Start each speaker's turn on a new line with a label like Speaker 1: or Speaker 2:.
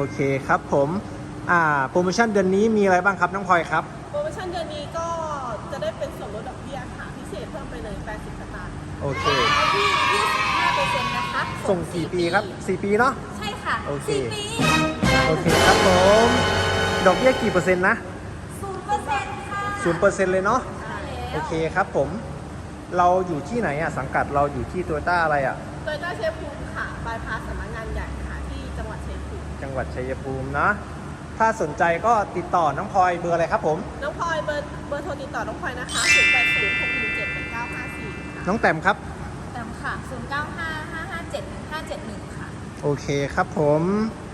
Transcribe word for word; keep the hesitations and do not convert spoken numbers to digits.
Speaker 1: เคครับผมอ่าโปรโมชั่นเดือนนี้มีอะไรบ้างครับน้องพลอยครับ
Speaker 2: โปรโมชั่นเดือนนี้ก็จะได้เป็นส่วนลดดอกเบี้ยค่ะพิเศษเพิ่มไปเลยแปดสิบสตางค์
Speaker 1: โอเค
Speaker 3: ที่ ยี่สิบห้าเปอร์เซ็นต์ นะคะ
Speaker 1: ส่งกี่ปีครับสี่ปีเนาะ
Speaker 3: ใช่ค่ะ
Speaker 1: โอเค
Speaker 3: สี่ปี
Speaker 1: โอเคครับผมดอกเบี้ยกี่เปอร์เซ็นต์นะ
Speaker 3: ศูนย์เปอร์เซ็นต์ ค่ะ
Speaker 1: ศูนย์เปอร์เซ็นต์เลยเนาะ
Speaker 3: ใช่แล้ว
Speaker 1: โอเคครับผมเราอยู่ที่ไหนอ่ะสังกัดเราอยู่ที่โตโยต้าอะไรอ่ะ
Speaker 2: โตโยต้าชัยภูมิค่ะบายพาสสำนักงานใหญ่ค่ะที่จังหวัดชัยภูมิ
Speaker 1: จังหวัดชัยภูมินะถ้าสนใจก็ติดต่อน้องพลอยเบอร์อะไรครับผม
Speaker 2: น้องพลอยเบอร์เบอร์โทรติดต่อน้องพลอยนะคะศูนย์แปดศูนย์ หกหนึ่งเจ็ด แปดเก้าห้าสี่ค่ะ
Speaker 1: น้องแต้มครับ
Speaker 3: ตามค่ะ ศูนย์ เก้า ห้า ห้า ห้า เจ็ด หนึ่ง ห้า เจ็ด หนึ่ง ค่ะ
Speaker 1: โอเคครับผม